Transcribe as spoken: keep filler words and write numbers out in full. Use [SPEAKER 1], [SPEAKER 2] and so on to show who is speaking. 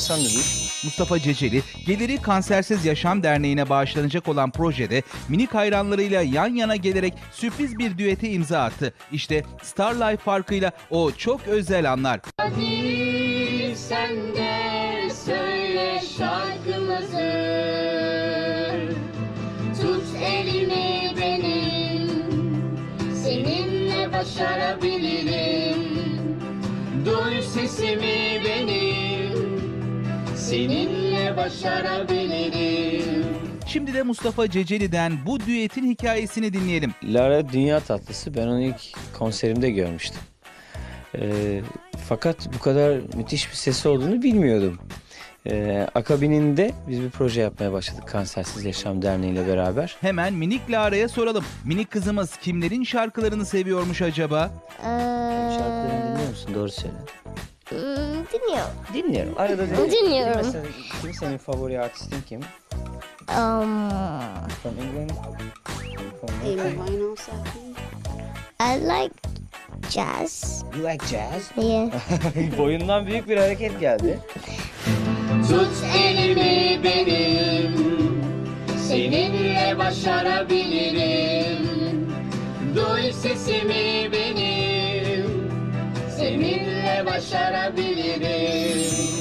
[SPEAKER 1] insan da değil.
[SPEAKER 2] Mustafa Ceceli, geliri Kansersiz Yaşam Derneği'ne bağışlanacak olan projede minik hayranlarıyla yan yana gelerek sürpriz bir düete imza attı. İşte Starlife farkıyla o çok özel anlar.
[SPEAKER 3] Hadi sen de söyle şarkımızı, tut elimi benim, seninle başarabilirim. Duy sesimi benim, seninle başarabilirim.
[SPEAKER 2] Şimdi de Mustafa Ceceli'den bu düetin hikayesini dinleyelim.
[SPEAKER 1] Lara dünya tatlısı. Ben onu ilk konserimde görmüştüm. Ee, fakat bu kadar müthiş bir sesi olduğunu bilmiyordum. Ee, akabininde biz bir proje yapmaya başladık Kansersiz Yaşam Derneği ile beraber.
[SPEAKER 2] Hemen minik Lara'ya soralım. Minik kızımız kimlerin şarkılarını seviyormuş acaba?
[SPEAKER 1] Şarkılarını dinliyor musun? Doğru söyle.
[SPEAKER 4] Hmm, dinliyorum.
[SPEAKER 1] Dinliyorum. Arada dinliyorum.
[SPEAKER 4] Dinliyorum.
[SPEAKER 1] Mesela kim senin favori artistin kim?
[SPEAKER 4] Um,
[SPEAKER 1] From England? From
[SPEAKER 5] Amy
[SPEAKER 1] America?
[SPEAKER 5] Winehouse, I think.
[SPEAKER 4] I like jazz.
[SPEAKER 1] You like jazz?
[SPEAKER 4] Yeah.
[SPEAKER 1] Boyundan büyük bir hareket geldi.
[SPEAKER 3] Tut elimi benim, seninle başarabilirim. Duy sesimi benim, seninle başarabilirim.